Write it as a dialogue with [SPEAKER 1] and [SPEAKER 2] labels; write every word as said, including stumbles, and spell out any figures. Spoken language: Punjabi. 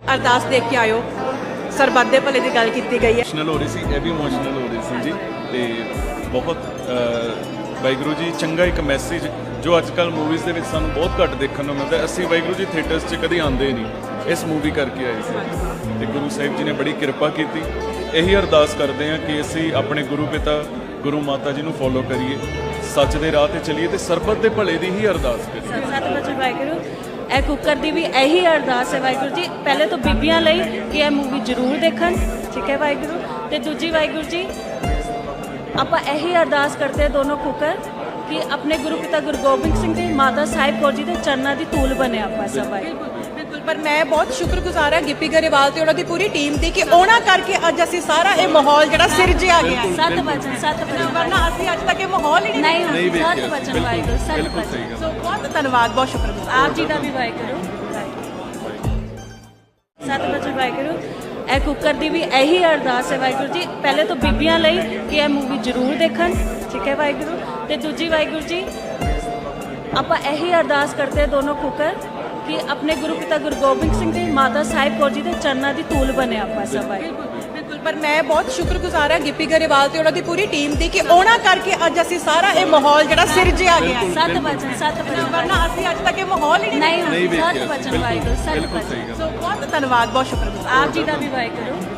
[SPEAKER 1] ਅਰਦਾਸ ਦੇਖ ਕੇ ਆਇਓ ਸਰਬੱਤ ਦੇ ਭਲੇ ਦੀ ਗੱਲ ਕੀਤੀ ਗਈ ਹੈ।
[SPEAKER 2] ਇਮੋਸ਼ਨਲ ਹੋ ਰਹੀ ਸੀ, ਇਹ ਵੀ ਇਮੋਸ਼ਨਲ ਹੋ ਰਹੀ ਸੀ ਜੀ। ਤੇ ਬਹੁਤ ਵਾਹਿਗੁਰੂ ਜੀ ਚੰਗਾ ਇੱਕ ਮੈਸੇਜ ਜੋ ਅੱਜ ਕੱਲ੍ਹ ਮੂਵੀਜ਼ ਦੇ ਵਿੱਚ ਸਾਨੂੰ ਬਹੁਤ ਘੱਟ ਦੇਖਣ ਨੂੰ ਮਿਲਦਾ। ਅਸੀਂ ਵਾਹਿਗੁਰੂ ਜੀ ਥੀਏਟਰਸ 'ਚ ਕਦੀ ਆਉਂਦੇ ਨਹੀਂ, ਇਸ ਮੂਵੀ ਕਰਕੇ ਆਏ ਸੀ ਤੇ ਗੁਰੂ ਸਾਹਿਬ ਜੀ ਨੇ ਬੜੀ ਕਿਰਪਾ ਕੀਤੀ। ਇਹੀ ਅਰਦਾਸ ਕਰਦੇ ਹਾਂ ਕਿ ਅਸੀਂ ਆਪਣੇ ਗੁਰੂ ਪਿਤਾ ਗੁਰੂ ਮਾਤਾ ਜੀ ਨੂੰ ਫੋਲੋ ਕਰੀਏ, ਸੱਚ ਦੇ ਰਾਹ ਤੇ ਚੱਲੀਏ ਤੇ ਸਰਬੱਤ ਦੇ ਭਲੇ ਦੀ ਹੀ ਅਰਦਾਸ ਕਰੀਏ।
[SPEAKER 3] ਸਤਿ ਵਾਹਿਗੁਰੂ। ਇਹ ਕੁੱਕਰ ਦੀ ਵੀ ਇਹੀ ਅਰਦਾਸ ਹੈ ਵਾਹਿਗੁਰੂ ਜੀ, ਪਹਿਲੇ ਤਾਂ ਬੀਬੀਆਂ ਲਈ ਕਿ ਇਹ ਮੂਵੀ ਜ਼ਰੂਰ ਦੇਖਣ, ਠੀਕ ਹੈ ਵਾਹਿਗੁਰੂ। ਤੇ ਦੂਜੀ ਵਾਹਿਗੁਰੂ ਜੀ ਆਪਾਂ ਇਹੀ ਅਰਦਾਸ ਕਰਦੇ ਹਾਂ ਦੋਨੋਂ ਕੁੱਕਰ ਕਿ ਆਪਣੇ ਗੁਰੂ ਪਿਤਾ ਗੁਰੂ ਗੋਬਿੰਦ ਸਿੰਘ ਜੀ ਮਾਤਾ ਸਾਹਿਬ ਕੌਰ ਜੀ ਦੇ ਚਰਨਾਂ ਦੀ ਧੂਲ ਬਣੇ ਆਪਾਂ ਸਭ।
[SPEAKER 1] ਬਿਲਕੁਲ, ਪਰ ਮੈਂ ਬਹੁਤ ਸ਼ੁਕਰਗੁਜ਼ਾਰ ਹਾਂ ਗਿੱਪੀ ਗਰੇਵਾਲ ਤੇ ਉਹਨਾਂ ਦੀ ਪੂਰੀ ਟੀਮ ਦੀ ਕਿ ਉਹਨਾਂ ਕਰਕੇ ਅੱਜ ਅਸੀਂ ਸਾਰਾ ਇਹ ਮਾਹੌਲ ਜਿਹੜਾ ਸਿਰਜਿਆ ਗਿਆ ਹੈ।
[SPEAKER 3] ਸਤ ਵਚਨ ਸਤ ਵਚਨ
[SPEAKER 1] ਵਰਨਾ ਅਸੀਂ ਅੱਜ ਤੱਕ ਇਹ ਮਾਹੌਲ ਹੀ ਨਹੀਂ
[SPEAKER 3] ਨਹੀਂ ਸਤ ਵਚਨ ਵਾਹਿਗੁਰੂ ਸਤ ਵਚਨ।
[SPEAKER 1] ਸੋ ਬਹੁਤ ਧੰਨਵਾਦ, ਬਹੁਤ ਸ਼ੁਕਰਗੁਜ਼ਾਰ
[SPEAKER 3] ਆਪ ਜੀ ਦਾ ਵੀ ਵਾਹਿਗੁਰੂ। ਸਤ ਵਚਨ ਵਾਹਿਗੁਰੂ। ਇਹ ਕੁੱਕਰ ਦੀ ਵੀ ਇਹੀ ਅਰਦਾਸ ਹੈ ਵਾਹਿਗੁਰੂ ਜੀ, ਪਹਿਲੇ ਤਾਂ ਬੀਬੀਆਂ ਲਈ ਕਿ ਇਹ ਮੂਵੀ ਜ਼ਰੂਰ ਦੇਖਣ, ਠੀਕ ਹੈ ਵਾਹਿਗੁਰੂ। ਤੇ ਦੂਜੀ ਵਾਹਿਗੁਰੂ ਜੀ ਆਪਾਂ ਇਹੀ ਅਰਦਾਸ ਕਰਦੇ ਹਾਂ ਦੋਨੋਂ ਕੁੱਕਰ ਕਿ ਆਪਣੇ ਗੁਰੂ ਪਿਤਾ ਗੁਰੂ ਗੋਬਿੰਦ ਸਿੰਘ ਜੀ ਮਾਤਾ ਸਾਹਿਬ ਕੌਰ ਜੀ ਦੇ ਚਰਨਾਂ ਦੀ ਧੂਲ ਬਣੇ ਆਪਾਂ ਸਭ।
[SPEAKER 1] ਬਿਲਕੁਲ, ਪਰ ਮੈਂ ਬਹੁਤ ਸ਼ੁਕਰਗੁਜ਼ਾਰ ਹਾਂ ਗਿੱਪੀ ਗਰੇਵਾਲ ਤੇ ਉਹਨਾਂ ਦੀ ਪੂਰੀ ਟੀਮ ਦੀ ਕਿ ਉਹਨਾਂ ਕਰਕੇ ਅੱਜ ਅਸੀਂ ਸਾਰਾ ਇਹ ਮਾਹੌਲ ਜਿਹੜਾ ਸਿਰਜਿਆ ਗਿਆ ਹੈ।
[SPEAKER 3] ਸਤ ਵਚਨ ਸਤ ਵਚਨ।
[SPEAKER 1] ਵਰਨਾ ਅਸੀਂ ਅੱਜ ਤੱਕ ਇਹ ਮਾਹੌਲ ਹੀ ਨਹੀਂ
[SPEAKER 3] ਨਹੀਂ ਸਤ ਵਚਨ ਵਾਹਿਗੁਰੂ ਸਤ ਵਚਨ।
[SPEAKER 1] ਸੋ ਬਹੁਤ ਧੰਨਵਾਦ, ਬਹੁਤ ਸ਼ੁਕਰਗੁਜ਼ਾਰ
[SPEAKER 3] ਆਪ ਜੀ ਦਾ ਵੀ ਵਾਹਿਗੁਰੂ।